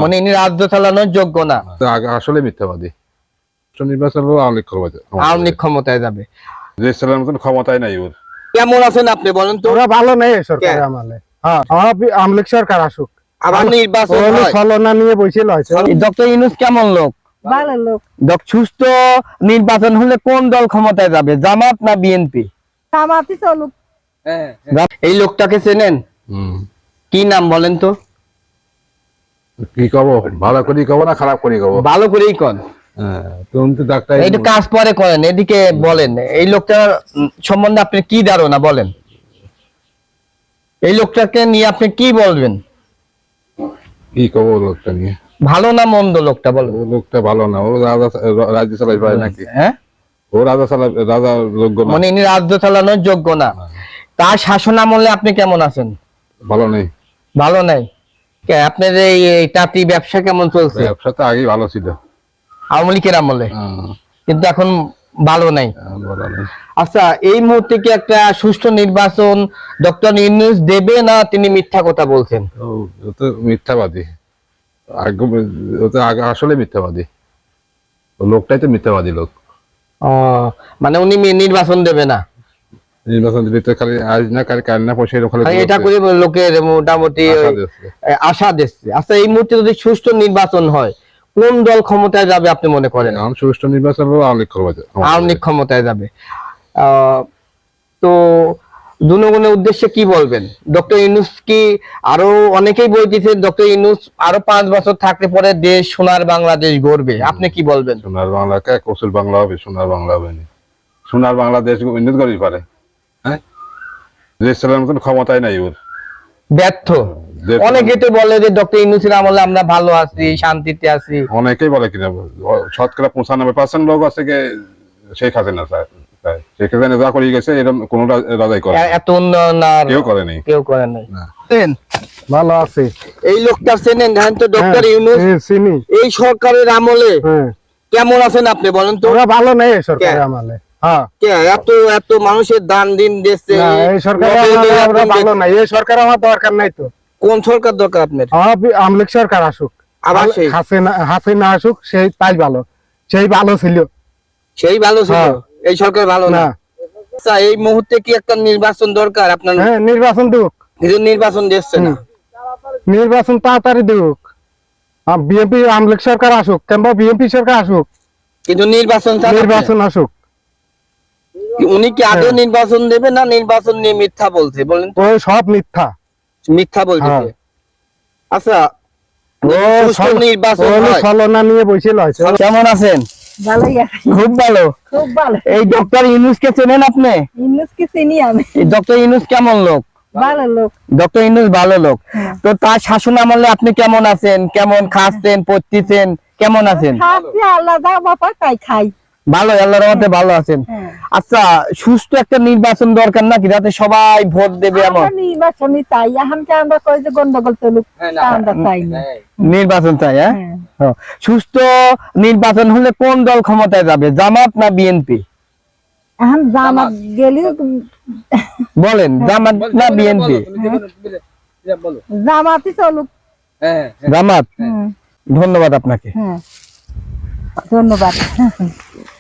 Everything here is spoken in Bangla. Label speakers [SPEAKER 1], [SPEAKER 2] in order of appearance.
[SPEAKER 1] মানে ইনি রাজ্য চালানোর যোগ্য না।
[SPEAKER 2] আসলে মিথ্যাবাদী। নির্বাচন
[SPEAKER 1] আওয়ামী লীগ ক্ষমতায় যাবে,
[SPEAKER 2] দেশ চালানোর মতন ক্ষমতাই নাই ওর।
[SPEAKER 1] কেমন আছেন আপনি বলেন তো?
[SPEAKER 3] ওরা ভালো নেই সরকারের আমলে। হ্যাঁ, আওয়ামী লীগ সরকার আসুক,
[SPEAKER 1] আবার নির্বাচন হয়।
[SPEAKER 3] ছলনা নিয়ে বসে লইছে।
[SPEAKER 1] ডক্টর ইউনূস কেমন লোক?
[SPEAKER 4] ভালো লোক।
[SPEAKER 1] সুস্থ নির্বাচন হলে কোন দল ক্ষমতায় যাবে, জামাত না বিএনপি?
[SPEAKER 4] জামাতই চলুক।
[SPEAKER 1] এই লোকটাকে চেনেন? কি নাম বলেন তো?
[SPEAKER 2] কি কব, ভালো করি কব না খারাপ করি কব?
[SPEAKER 1] ভালো করেই কন।
[SPEAKER 2] ডাক্তার
[SPEAKER 1] কাজ পরে করেন, এদিকে বলেন এই লোকটার সম্বন্ধে আপনি কি ধারণা বলেন? এই লোকটাকে নিয়ে আপনি কি বলবেন?
[SPEAKER 2] কি কব লোকটা নিয়ে?
[SPEAKER 1] ভালো না মন্দ লোকটা বলেন?
[SPEAKER 2] লোকটা ভালো না, ও রাজ্য চালাই পারে নাকি?
[SPEAKER 1] হ্যাঁ,
[SPEAKER 2] ও রাজা যোগ্য না।
[SPEAKER 1] মানে ইনি রাজ্য চালানোর যোগ্য না। তার শাসন আমলে আপনি কেমন আছেন?
[SPEAKER 2] ভালো নেই।
[SPEAKER 1] ভালো নাই? আপনার এই টাটি ব্যবসা কেমন চলছে?
[SPEAKER 2] ব্যবসা তো আগেই ভালো ছিল
[SPEAKER 1] আওয়ামী লীগের আমলে, কিন্তু এখন ভালো নাই। আচ্ছা, এই মুহূর্তে কি একটা সুষ্ঠু নির্বাচন ডক্টর ইউনূস দেবে, না তিনি মিথ্যা কথা বলছেন?
[SPEAKER 2] ও তো মিথ্যাবাদী, আসলে মিথ্যাবাদী। লোকটাই তো মিথ্যাবাদী লোক।
[SPEAKER 1] মানে উনি নির্বাচন দেবে না?
[SPEAKER 2] নির্বাচন দিলে তো খালি আজ না কাল না পয়সা
[SPEAKER 1] এটা করে লোকের মোটামুটি আশা দিচ্ছে। আচ্ছা, এই মুহূর্তে যদি সুষ্ঠু নির্বাচন হয় কোন দল ক্ষমতায় যাবে আপনি মনে করেন?
[SPEAKER 2] সুষ্ঠু নির্বাচন আওয়ামী
[SPEAKER 1] লীগ ক্ষমতায় যাবে। তো জনগণের উদ্দেশ্যে কি বলবেন? ডক্টর ইউনূস কি আরো অনেকেই বলতেছে ডক্টর ইউনূস আরো 5 বছর থাকলে পরে দেশ সোনার বাংলাদেশ গড়বে, আপনি কি বলবেন?
[SPEAKER 2] সোনার বাংলা কে কৌশল বাংলা হবে? সোনার বাংলা হবে না। সোনার বাংলাদেশ উন্নত করতে পারে? হ্যাঁ, দেশ চালানোর মতন ক্ষমতাই নাই ওর।
[SPEAKER 1] ব্যর্থ। অনেকে তো বলে যে ডক্টর ইউনূসের আমলে আমরা ভালো আছি, শান্তিতে আছি।
[SPEAKER 2] অনেকেই বলে কিনা, শতকরা 95% লোক আছে শেখ হাসিনা স্যার, শেখ হাসিনা যা করে গেছে এরকম কোন রাজাই করে
[SPEAKER 1] এত উন্নয়ন আর
[SPEAKER 2] কেউ করে নাই,
[SPEAKER 1] কেউ করে নাই।
[SPEAKER 3] ভালো আছে।
[SPEAKER 1] এই লোকটা চেনেন? জানেন তো ডক্টর ইউনূস
[SPEAKER 3] চিনি।
[SPEAKER 1] এই সরকারের আমলে কেমন আছেন আপনি বলেন তো?
[SPEAKER 3] ওরা ভালো নেই সরকারের আমলে। হ্যাঁ,
[SPEAKER 1] এত এত মানুষের দান দিন দিচ্ছে,
[SPEAKER 3] এই সরকার ভালো নাই। এই সরকার আমার দরকার নাই তো।
[SPEAKER 1] কোন সরকার দরকার আপনার?
[SPEAKER 3] আওয়ামী লীগ সরকার আসুক,
[SPEAKER 1] আবার
[SPEAKER 3] হাসিনা আসুক, সেই তাই ভালো। সেই ভালো ছিল,
[SPEAKER 1] সেই ভালো ছিল। এই সরকার ভালো না। আচ্ছা, এই মুহূর্তে কি একটা নির্বাচন দরকার আপনার?
[SPEAKER 3] হ্যাঁ, নির্বাচন দিক।
[SPEAKER 1] কিন্তু নির্বাচন দিচ্ছে না।
[SPEAKER 3] নির্বাচন তাড়াতাড়ি দিক। বিএনপি আওয়ামী লীগ সরকার আসুক, কিংবা বিএনপি সরকার আসুক,
[SPEAKER 1] কিন্তু নির্বাচন
[SPEAKER 3] আসুক।
[SPEAKER 1] উনি কি আগে নির্বাচন দেবে, না নির্বাচন নিয়ে মিথ্যা বলছে বলেন?
[SPEAKER 3] ওই সব মিথ্যা,
[SPEAKER 1] মিথ্যা বলছে। আচ্ছা, নির্বাচন
[SPEAKER 3] ছলনা নিয়ে বসে লইছে।
[SPEAKER 1] কেমন আছেন?
[SPEAKER 4] ভালোই আছি।
[SPEAKER 1] খুব ভালো।
[SPEAKER 4] খুব ভালো।
[SPEAKER 1] এই ডক্টর ইউনূস কে চেনেন আপনি?
[SPEAKER 4] ইউনূসকে চিনি আমি।
[SPEAKER 1] ডক্টর ইউনূস কেমন লোক?
[SPEAKER 4] ভালো লোক।
[SPEAKER 1] ডক্টর ইউনূস ভালো লোক। তো তার শাসন আমলে আপনি কেমন আছেন? কেমন খাচ্ছেন, পড়তেছেন, কেমন আছেন?
[SPEAKER 4] খাচ্ছি, আল্লাহ যা বাবা তাই খাই।
[SPEAKER 1] ভালো, আল্লাহর রহমতে ভালো আছেন। আচ্ছা, সুস্থ একটা নির্বাচন দরকার নাকি, যাতে সবাই ভোট দেবে? এমন
[SPEAKER 4] নির্বাচনই তাই। এখনকে আমরা কই যে গন্ডগোল চলুক, আমরা চাই না।
[SPEAKER 1] নির্বাচন চাই। হ্যাঁ, সুস্থ নির্বাচন হলে কোন দল ক্ষমতায় যাবে, জামাত না বিএনপি?
[SPEAKER 4] এখন জামাত গেলি
[SPEAKER 1] বলেন, জামাত না বিএনপি?
[SPEAKER 4] জামাতই চলুক।
[SPEAKER 1] জামাত। ধন্যবাদ আপনাকে।
[SPEAKER 4] ধন্যবাদ।